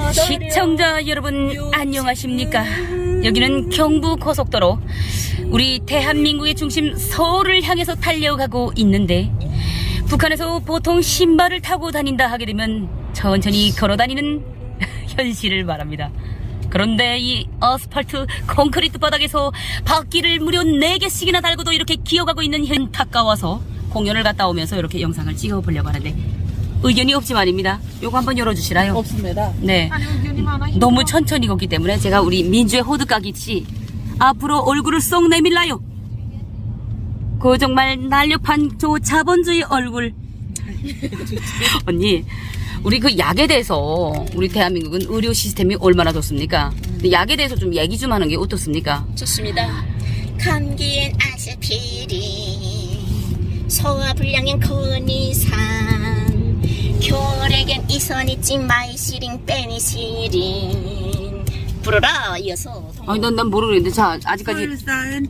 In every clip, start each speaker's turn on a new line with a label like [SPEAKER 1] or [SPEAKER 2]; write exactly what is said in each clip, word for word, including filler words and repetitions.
[SPEAKER 1] 시청자 여러분 안녕하십니까? 여기는 경부고속도로, 우리 대한민국의 중심 서울을 향해서 달려가고 있는데, 북한에서 보통 신발을 타고 다닌다 하게 되면 천천히 걸어 다니는 현실을 말합니다. 그런데 이 아스팔트 콘크리트 바닥에서 바퀴를 무려 네 개씩이나 달고도 이렇게 기어가고 있는 현 가까워서 공연을 갔다 오면서 이렇게 영상을 찍어보려고 하는데 의견이 없지 말입니다. 요거 한번 열어주시라요.
[SPEAKER 2] 없습니다.
[SPEAKER 1] 네.
[SPEAKER 2] 아니, 의견이 많아. 힘들어.
[SPEAKER 1] 너무 천천히 걷기 때문에 제가 우리 민주의 호두까기씨 앞으로 얼굴을 쏙 내밀라요. 그 정말 날렵한 저 자본주의 얼굴. 언니, 우리 그 약에 대해서 우리 대한민국은 의료 시스템이 얼마나 좋습니까? 근데 약에 대해서 좀 얘기 좀 하는 게 어떻습니까?
[SPEAKER 3] 좋습니다. 감기엔 아스피린, 소화불량엔 코니산, 결핵엔 이선이찡, 마이시린, 페니시린. 부르라 이어서.
[SPEAKER 1] 아니 난, 난 모르겠는데. 자, 아직까지
[SPEAKER 2] 설사엔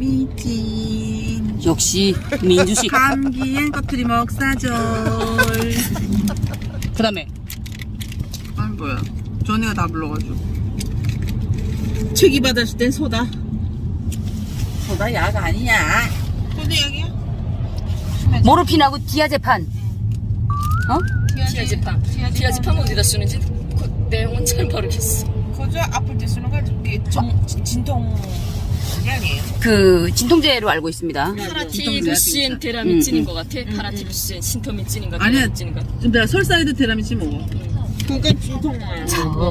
[SPEAKER 2] 페라미틴,
[SPEAKER 1] 역시 민주씨.
[SPEAKER 2] 감기엔 꺼트리 먹사절.
[SPEAKER 1] 그 다음에
[SPEAKER 2] 아니 뭐야, 전에가 다 불러가지고. 책이 받았을 땐 소다. 소다 약 아니냐? 소다 약이야?
[SPEAKER 1] 모르핀하고 디아제판. 어?
[SPEAKER 3] 디아제팜. 디아제팜 어디다 쓰는지 그 내용은 잘 모르겠어.
[SPEAKER 2] 그저 아플 때 쓰는 거 정, 진통 약이에요.
[SPEAKER 1] 그 진통제로 알고 있습니다.
[SPEAKER 3] 파라티루신 테라미찐인 것 같아. 파라티루신 신토미찐인가
[SPEAKER 2] 아니야.
[SPEAKER 3] 테라미찐인가.
[SPEAKER 2] 지금 내가 설사에도 테라미친 먹어. 그게 진통만.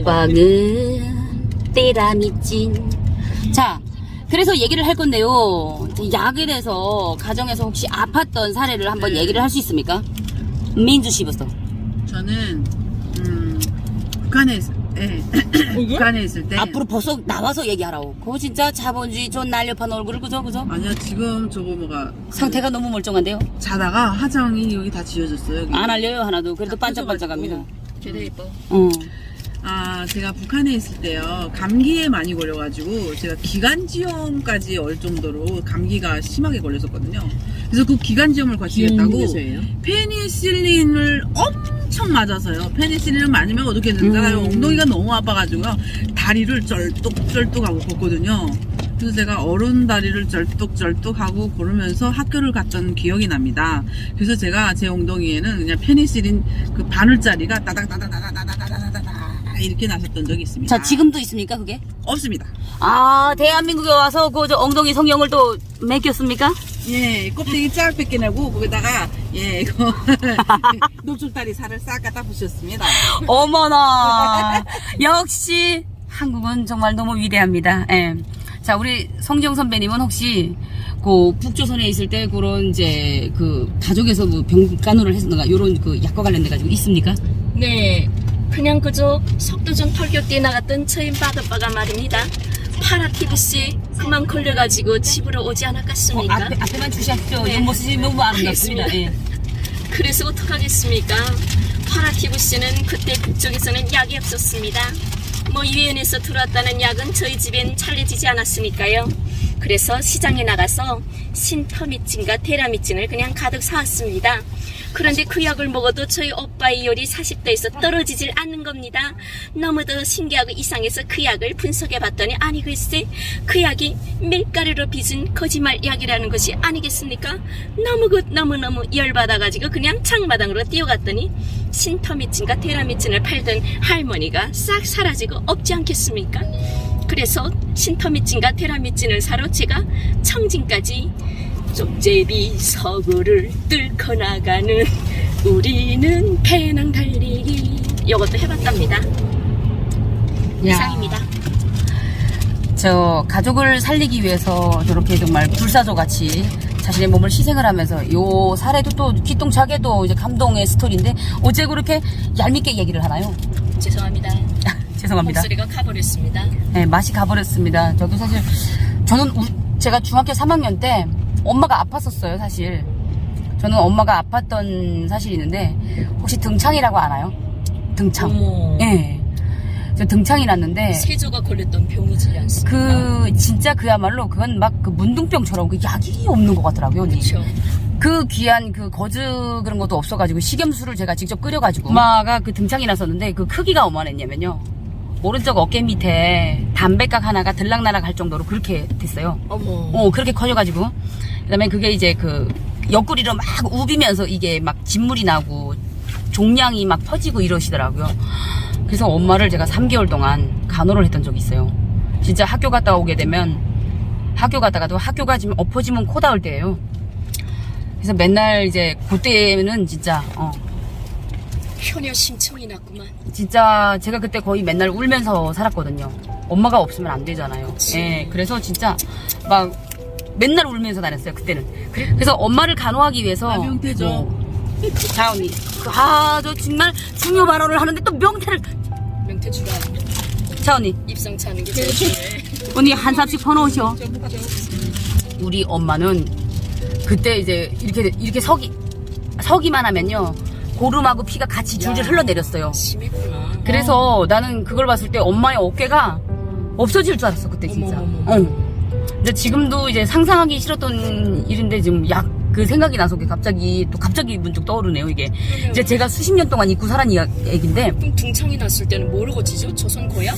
[SPEAKER 1] 처방은 테라미찐. 자, 그래서 얘기를 할 건데요. 약에 대해서 가정에서 혹시 아팠던 사례를 한번
[SPEAKER 2] 네.
[SPEAKER 1] 얘기를 할 수 있습니까? 민주 씨부터.
[SPEAKER 2] 저는 음, 북한에 있, 예. 북한에 있을 때.
[SPEAKER 1] 앞으로 벌써 나와서 얘기하라고. 그거 진짜 자본주의 좀 날렵한 얼굴을, 그죠 그죠?
[SPEAKER 2] 아니야, 지금 저거 뭐가
[SPEAKER 1] 상태가 너무 멀쩡한데요.
[SPEAKER 2] 자다가 화장이 여기 다 지워졌어요. 여기.
[SPEAKER 1] 안 알려요 하나도. 그래도
[SPEAKER 2] 다
[SPEAKER 1] 반짝반짝합니다.
[SPEAKER 3] 되게 예뻐.
[SPEAKER 1] 어.
[SPEAKER 2] 아, 제가 북한에 있을 때요, 감기에 많이 걸려가지고 제가 기관지염까지 올 정도로 감기가 심하게 걸렸었거든요. 그래서 그 기관지염을 과시했다고 페니실린을 엄청 맞아서요. 페니실린을 맞으면 어떻게 된다?
[SPEAKER 1] 음.
[SPEAKER 2] 엉덩이가 너무 아파가지고요, 다리를 쩔뚝쩔뚝하고 걷거든요. 그래서 제가 어른 다리를 쩔뚝쩔뚝하고 걸으면서 학교를 갔던 기억이 납니다. 그래서 제가 제 엉덩이에는 그냥 페니실린 그 바늘자리가 따닥따닥따닥따닥따닥따닥 이렇게 나셨던 적이 있습니다.
[SPEAKER 1] 자, 지금도 있습니까 그게?
[SPEAKER 2] 없습니다.
[SPEAKER 1] 아, 대한민국에 와서 그 저 엉덩이 성형을 또 맡겼습니까?
[SPEAKER 2] 예, 껍데기 쫙 벗겨내고 거기다가 예 이거 녹줄다리 살을 싹 갖다 부셨습니다.
[SPEAKER 1] 어머나. 역시 한국은 정말 너무 위대합니다. 예. 자, 우리 성지영 선배님은 혹시 그 북조선에 있을 때 그런 이제 그 가족에서 뭐 병간호를 했었는가 요런 그 약과 관련돼 가지고 있습니까?
[SPEAKER 3] 네, 그냥 그저 속도전 털격대에 나갔던 저희 바드바가 말입니다. 파라티부씨 그만 걸려가지고 집으로 오지
[SPEAKER 1] 어,
[SPEAKER 3] 않았겠습니까?
[SPEAKER 1] 앞에, 앞에만 주시하십시오.
[SPEAKER 3] 네.
[SPEAKER 1] 옆모습이 너무 아름답습니다. 예.
[SPEAKER 3] 그래서 어떡하겠습니까? 파라티부씨는 그때 북쪽에서는 약이 없었습니다. 뭐 유엔에서 들어왔다는 약은 저희 집엔 잘려지지 않았으니까요. 그래서 시장에 나가서 신터미cin과 테라미cin을 그냥 가득 사왔습니다. 그런데 그 약을 먹어도 저희 오빠의 열이 사십 도에서 떨어지질 않는 겁니다. 너무도 신기하고 이상해서 그 약을 분석해 봤더니 아니 글쎄 그 약이 밀가루로 빚은 거짓말 약이라는 것이 아니겠습니까? 너무 그 너무너무 열받아가지고 그냥 창마당으로 뛰어갔더니 신터미cin과 테라미cin을 팔던 할머니가 싹 사라지고 없지 않겠습니까? 그래서 신터미cin과 테라미cin을 사러 제가 청진까지 쪽제비 서구를 뚫고 나가는 우리는 배낭 달리기 이것도 해봤답니다. 이상입니다.
[SPEAKER 1] 저 가족을 살리기 위해서 저렇게 정말 불사조같이 자신의 몸을 희생을 하면서 요 사례도 또 기똥차게도 이제 감동의 스토리인데 어째 그렇게 얄밉게 얘기를 하나요?
[SPEAKER 3] 죄송합니다.
[SPEAKER 1] 죄송합니다.
[SPEAKER 3] 목소리가 가버렸습니다.
[SPEAKER 1] 네, 맛이 가버렸습니다. 저도 사실 저는 우, 제가 중학교 삼 학년 때 엄마가 아팠었어요. 사실 저는 엄마가 아팠던 사실이 있는데 혹시 등창이라고 아나요? 등창.
[SPEAKER 3] 어머.
[SPEAKER 1] 예. 저 등창이 났는데
[SPEAKER 3] 세조가 걸렸던 병이지 않습니까?
[SPEAKER 1] 그 진짜 그야말로 그건 막 그 문둥병처럼 그 약이 없는 것 같더라고요. 언니.
[SPEAKER 3] 그렇죠.
[SPEAKER 1] 그 귀한 그 거즈 그런 것도 없어가지고 식염수를 제가 직접 끓여가지고 엄마가 그 등창이 났었는데 그 크기가 어마했냐면요 오른쪽 어깨 밑에 담배각 하나가 들락날락 할 정도로 그렇게 됐어요.
[SPEAKER 3] 어머.
[SPEAKER 1] 어, 그렇게 커져가지고. 그 다음에 그게 이제 그 옆구리로 막 우비면서 이게 막 진물이 나고 종양이 막 퍼지고 이러시더라고요. 그래서 엄마를 제가 삼 개월 동안 간호를 했던 적이 있어요. 진짜 학교 갔다 오게 되면 학교 갔다가도 학교 가지면 엎어지면 코 닿을 때예요. 그래서 맨날 이제 그때는 진짜 어
[SPEAKER 3] 효녀 심청이 났구만.
[SPEAKER 1] 진짜 제가 그때 거의 맨날 울면서 살았거든요. 엄마가 없으면 안 되잖아요.
[SPEAKER 3] 그치.
[SPEAKER 1] 예, 그래서 진짜 막 맨날 울면서 다녔어요 그때는. 그래- 그래서 엄마를 간호하기 위해서
[SPEAKER 2] 아, 명태죠.
[SPEAKER 1] 뭐, 자 언니, 아 저 정말 중요 발언을 하는데 또 명태를.
[SPEAKER 3] 명태 주라.
[SPEAKER 1] 자 언니,
[SPEAKER 3] 입상 차는 게 제일 중요해.
[SPEAKER 1] 언니 한 삽씩 퍼놓으셔. 우리 엄마는 그때 이제 이렇게 이렇게 서기 서기만 하면요 고름하고 피가 같이 줄줄 흘러내렸어요.
[SPEAKER 3] 심했구나.
[SPEAKER 1] 그래서 나는 그걸 봤을 때 엄마의 어깨가 없어질 줄 알았어 그때 진짜.
[SPEAKER 3] 어머머머.
[SPEAKER 1] 어. 근데 지금도 이제 상상하기 싫었던 일인데 지금 약 그 생각이 나서 그게 갑자기 또 갑자기 문득 떠오르네요 이게. 이제 제가 수십 년 동안 잊고 살았던 이야- 얘기인데
[SPEAKER 3] 그럼 등창이 났을 때는 뭐를 고치죠? 조선 고약?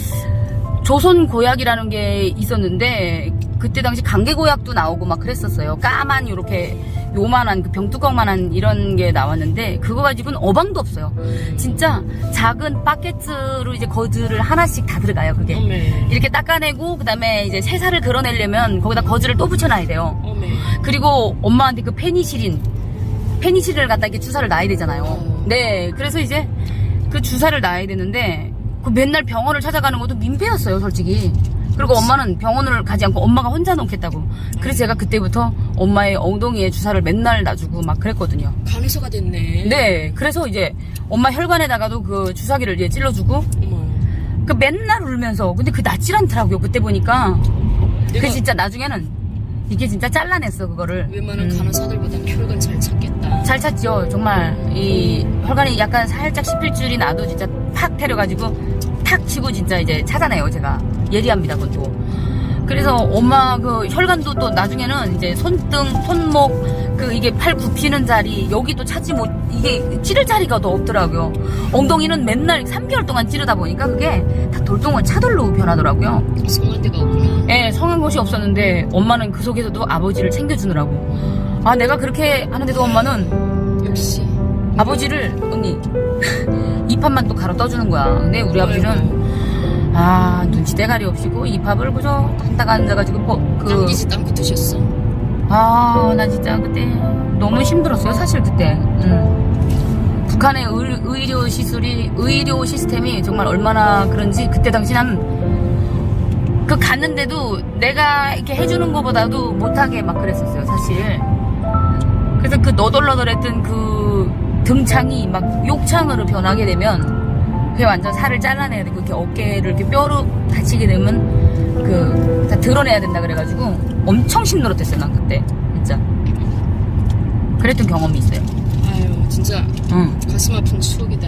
[SPEAKER 1] 조선 고약이라는 게 있었는데 그때 당시 강계 고약도 나오고 막 그랬었어요. 까만 요렇게 요만한 그 병뚜껑만한 이런 게 나왔는데 그거 가지고는 어방도 없어요. 진짜 작은 바켓으로 이제 거즈를 하나씩 다 들어가요 그게.
[SPEAKER 3] 어메.
[SPEAKER 1] 이렇게 닦아내고 그다음에 이제 새살을 그려내려면 거기다 거즈를 또 붙여놔야 돼요.
[SPEAKER 3] 어메.
[SPEAKER 1] 그리고 엄마한테 그 페니실린 페니실린을 갖다 이렇게 주사를 놔야 되잖아요.
[SPEAKER 3] 어.
[SPEAKER 1] 네, 그래서 이제 그 주사를 놔야 되는데 그 맨날 병원을 찾아가는 것도 민폐였어요, 솔직히. 그리고 엄마는 병원을 가지 않고 엄마가 혼자 놓겠다고. 그래서 제가 그때부터 엄마의 엉덩이에 주사를 맨날 놔주고 막 그랬거든요.
[SPEAKER 3] 간호사가 됐네.
[SPEAKER 1] 네, 그래서 이제 엄마 혈관에다가도 그 주사기를 이제 찔러주고
[SPEAKER 3] 어머.
[SPEAKER 1] 그 맨날 울면서 근데 그 낫질 않더라고요 그때 보니까.
[SPEAKER 3] 내가
[SPEAKER 1] 그 진짜 나중에는 이게 진짜 잘라냈어 그거를.
[SPEAKER 3] 웬만한
[SPEAKER 1] 음.
[SPEAKER 3] 간호사들보단 혈관 잘 찾겠다.
[SPEAKER 1] 잘 찾죠. 정말 이 혈관이 약간 살짝 씹힐 줄이 나도 진짜 탁 때려가지고 탁 치고 진짜 이제 찾아내요 제가. 예리합니다 그것도. 그래서 엄마 그 혈관도 또 나중에는 이제 손등, 손목 그 이게 팔 굽히는 자리 여기도 찾지 못 이게 찌를 자리가 더 없더라고요. 엉덩이는 맨날 삼 개월 동안 찌르다 보니까 그게 다 돌덩어 차돌로 변하더라고요.
[SPEAKER 3] 성한 데가 없구나.
[SPEAKER 1] 예, 성한 곳이 없었는데 엄마는 그 속에서도 아버지를 챙겨주느라고. 아 내가 그렇게 하는데도 엄마는
[SPEAKER 3] 역시.
[SPEAKER 1] 아버지를 언니 입합만 또 갈아 떠주는 거야. 근데 우리 아버지는 아 눈치 대가리 없이고 입합을 그저 딱 앉아가지고 뭐, 그
[SPEAKER 3] 남기지 않고 드셨어.
[SPEAKER 1] 아, 나 진짜 그때 너무 힘들었어요, 사실 그때. 음. 북한의 의, 의료 시술이, 의료 시스템이 정말 얼마나 그런지 그때 당시 난 그 갔는데도 내가 이렇게 해주는 것보다도 못하게 막 그랬었어요, 사실. 그래서 그 너덜너덜했던 그 등창이 막 욕창으로 변하게 되면 그게 완전 살을 잘라내야 되고 이렇게 어깨를 이렇게 뼈로 다치게 되면 그 다 드러내야 된다 그래가지고 엄청 힘들었댔어요 난 그때 진짜. 그랬던 경험이 있어요.
[SPEAKER 3] 아유, 진짜
[SPEAKER 1] 응,
[SPEAKER 3] 가슴 아픈 추억이다.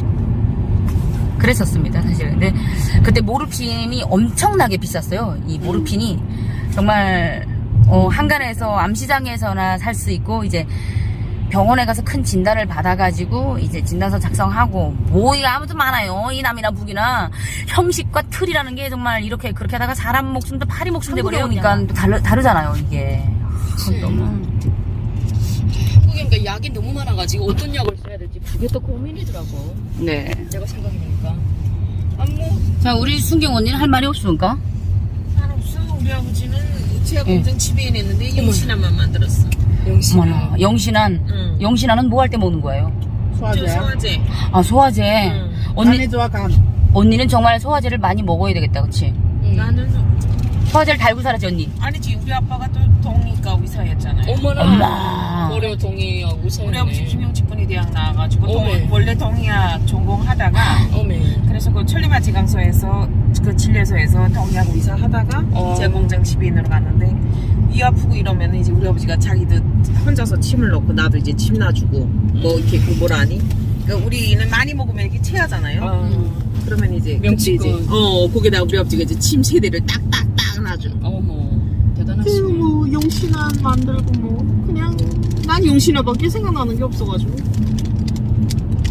[SPEAKER 1] 그랬었습니다 사실. 근데 그때 모르핀이 엄청나게 비쌌어요. 이 모르핀이 정말 어, 한간에서 암시장에서나 살 수 있고 이제 병원에 가서 큰 진단을 받아가지고 이제 진단서 작성하고 뭐가 아무튼 많아요. 이 남이나 북이나 형식과 틀이라는 게 정말 이렇게 그렇게 하다가 사람 목숨도 파리 목숨 돼버리니까 또 다르, 다르잖아요 이게.
[SPEAKER 3] 그치.
[SPEAKER 1] 너무
[SPEAKER 3] 한국에 그러니까 약이 너무 많아가지고 어떤 약을 써야 될지 그게 또 고민이더라고.
[SPEAKER 1] 네.
[SPEAKER 3] 내가 생각해보니까. 아, 뭐.
[SPEAKER 1] 자 우리 순경 언니는 할 말이 없습니까?
[SPEAKER 4] 살 없어. 우리 아버지는 제약
[SPEAKER 1] 응.
[SPEAKER 4] 공장 지배인했는데 영신함만 만들었어.
[SPEAKER 3] 영신아.
[SPEAKER 1] 어머나 영신한
[SPEAKER 4] 응.
[SPEAKER 1] 영신한은 뭐 할 때 먹는 거예요?
[SPEAKER 4] 저 소화제.
[SPEAKER 1] 아 소화제.
[SPEAKER 4] 응.
[SPEAKER 1] 언니
[SPEAKER 4] 간에 좋아 간.
[SPEAKER 1] 언니는 정말 소화제를 많이 먹어야 되겠다, 그렇지?
[SPEAKER 3] 응.
[SPEAKER 4] 나는
[SPEAKER 1] 소화제를 달고 살았지 언니.
[SPEAKER 4] 아니지. 우리 아빠가 또 동의과 의사였잖아요.
[SPEAKER 3] 어머나.
[SPEAKER 1] 엄마.
[SPEAKER 3] 고려 동의하고
[SPEAKER 4] 우리 아버지
[SPEAKER 3] 사였네.
[SPEAKER 4] 김용직군이 대학 나와가지고
[SPEAKER 3] 어메.
[SPEAKER 4] 동, 원래 동의학 전공하다가
[SPEAKER 3] 어메.
[SPEAKER 4] 그래서 그 천리마 지강소에서 그 진료소에서 동의학 의사 하다가
[SPEAKER 3] 어.
[SPEAKER 4] 제약 공장 지배인으로 갔는데 이 아프고 이러면 이제 우리 아버지가 자기도 혼자서 침을 넣고 나도 이제 침 놔주고 뭐 이렇게 그 뭐라 하니? 그러니까 우리는 많이 먹으면 이렇게 체하잖아요.
[SPEAKER 3] 아.
[SPEAKER 4] 그러면 이제
[SPEAKER 3] 명치권.
[SPEAKER 4] 그때 이제 어 거기다 우리 아버지가 이제 침 세대를 딱딱딱 놔주는.
[SPEAKER 3] 어머. 대단하시네.
[SPEAKER 4] 뭐 용신아 만들고 뭐 그냥 난 용신아밖에 생각나는 게 없어가지고.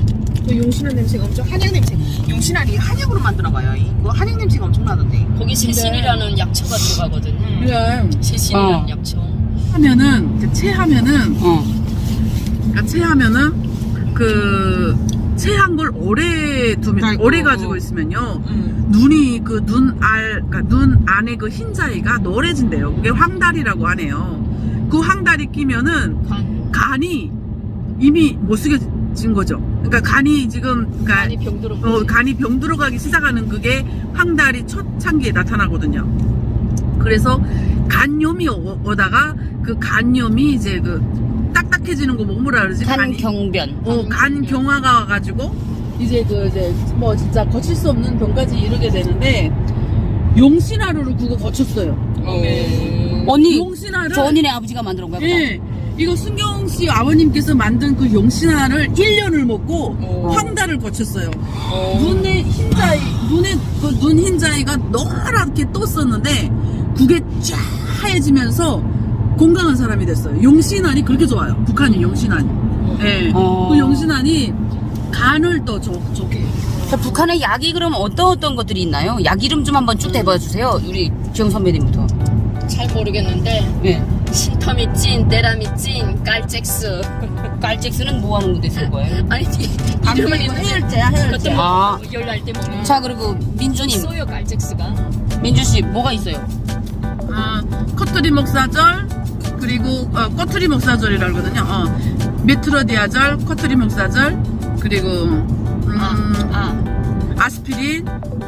[SPEAKER 4] 그 용신한 냄새가 엄청 한약 냄새. 용신한이 한약으로 만들어봐요. 그 한약 냄새가 엄청 나던데.
[SPEAKER 3] 거기 세신이라는 약초가 들어가거든요.
[SPEAKER 2] 그래
[SPEAKER 3] 세신이라는
[SPEAKER 1] 어.
[SPEAKER 3] 약초.
[SPEAKER 2] 하면은 이제 체하면은
[SPEAKER 1] 어.
[SPEAKER 2] 그러니까 체하면은 그 체한 걸 오래 두면
[SPEAKER 4] 아이고.
[SPEAKER 2] 오래 가지고 있으면요
[SPEAKER 4] 음.
[SPEAKER 2] 눈이 그 눈알 그러니까 눈 안에 그 흰자위가 노래진대요. 그게 황달이라고 하네요. 그 황달이 끼면은
[SPEAKER 3] 간,
[SPEAKER 2] 간이 이미 못 쓰게진 거죠. 그러니까 간이 지금 그러니까
[SPEAKER 3] 간이 병들어.
[SPEAKER 2] 어, 간이 병 들어가기 시작하는 그게 황달이 첫 창기에 나타나거든요. 그래서 간염이 오- 오다가 그 간염이 이제 그 딱딱해지는 거 뭐라 그러지? 간이-
[SPEAKER 1] 간경변.
[SPEAKER 2] 어, 간 경화가 와가지고 이제 그 이제 뭐 진짜 거칠 수 없는 병까지 이르게 되는데 용신하루를 그거 거쳤어요.
[SPEAKER 3] 어.
[SPEAKER 1] 언니,
[SPEAKER 2] 용신하를
[SPEAKER 1] 저 언니네 아버지가 만들어 온 거야.
[SPEAKER 2] 예. 이거 순경 씨 아버님께서 만든 그 용신하를 일 년을 먹고
[SPEAKER 3] 어.
[SPEAKER 2] 황달을 거쳤어요.
[SPEAKER 3] 어.
[SPEAKER 2] 눈에 흰자위, 눈에 그 눈 흰자위가 노랗게 떴었는데 그게 쫙 하얘지면서 건강한 사람이 됐어요. 용신안이 그렇게 좋아요. 북한이 용신안이. 예.
[SPEAKER 1] 어.
[SPEAKER 2] 그 용신안이 간을 또 좋, 좋게 해요.
[SPEAKER 1] 자, 북한의 약이 그럼 어떤 어떤 것들이 있나요? 약 이름 좀 한번 쭉 대봐 주세요. 우리 주영 선배님부터.
[SPEAKER 3] 잘 모르겠는데
[SPEAKER 1] 예.
[SPEAKER 3] 신터미찐, 때라미찐, 깔잭스.
[SPEAKER 1] 깔잭스는 뭐 하는 건데 쓸 거예요?
[SPEAKER 3] 아니 이름은 있는데
[SPEAKER 2] 해열제야, 해열제.
[SPEAKER 3] 그것도
[SPEAKER 1] 아.
[SPEAKER 3] 뭐 열날 때 먹는.
[SPEAKER 1] 자, 그리고 민주님,
[SPEAKER 3] 있어요 깔잭스가.
[SPEAKER 1] 민주 씨 뭐가 있어요?
[SPEAKER 2] 어, 커트리 목사절 그리고 어, 꼬투리 목사절이라 그러거든요. 어, 메트로디아절, 커트리 목사절 그리고 음,
[SPEAKER 3] 아,
[SPEAKER 2] 아스피린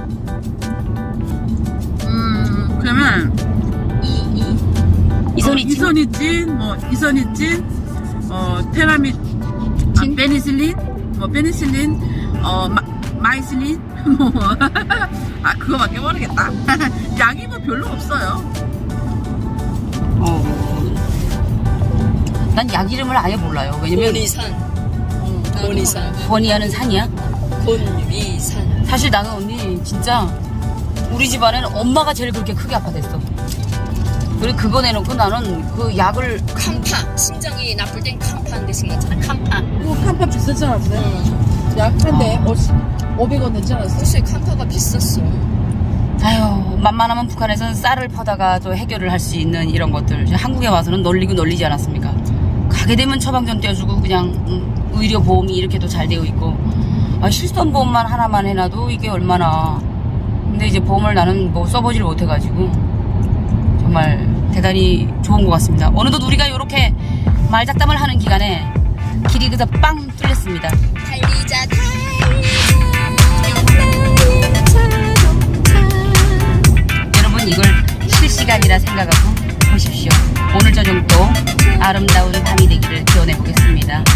[SPEAKER 2] 음, 그러면
[SPEAKER 3] 이, 이.
[SPEAKER 1] 이선희
[SPEAKER 2] 어,
[SPEAKER 1] 씨.
[SPEAKER 2] 이선희찐, 뭐 이선희찐, 어 테라미, 아,
[SPEAKER 1] 진?
[SPEAKER 2] 베니실린, 뭐 베니실린, 어 마, 마이실린, 뭐 아 그거밖에 모르겠다. 약이 뭐 별로 없어요.
[SPEAKER 1] 어. 난 약 이름을 아예 몰라요. 왜냐면
[SPEAKER 3] 권위산. 권위산.
[SPEAKER 1] 권위하는 산이야.
[SPEAKER 3] 권위산.
[SPEAKER 1] 사실 나는 언니 진짜 우리 집안에는 엄마가 제일 그렇게 크게 아파댔어. 그리고 그거 내놓고 나는 그 약을
[SPEAKER 3] 캄파. 심장이 나쁠 땐 캄파인데 생각잖아. 캄파.
[SPEAKER 2] 그거 칸파 비싸지 않았어요?
[SPEAKER 3] 응.
[SPEAKER 2] 약한데 오백 원 냈지 않았어요?
[SPEAKER 3] 글쎄 캄파가 비쌌어.
[SPEAKER 1] 아유, 만만하면 북한에서는 쌀을 퍼다가 또 해결을 할 수 있는 이런 것들 이제 한국에 와서는 널리고 널리지 않았습니까? 가게 되면 처방전 떼어주고 그냥 음, 의료 보험이 이렇게도 잘 되어 있고 아, 실손 보험만 하나만 해놔도 이게 얼마나. 근데 이제 보험을 나는 뭐 써보질 못해가지고 정말 대단히 좋은 것 같습니다. 어느덧 우리가 이렇게 말잡담을 하는 기간에 길이 그저 빵 뚫렸습니다.
[SPEAKER 3] 달리자 달리자
[SPEAKER 1] 여러분 이걸 실시간이라 생각하고 보십시오. 오늘 저녁도 아름다운 밤이 되기를 기원해 보겠습니다.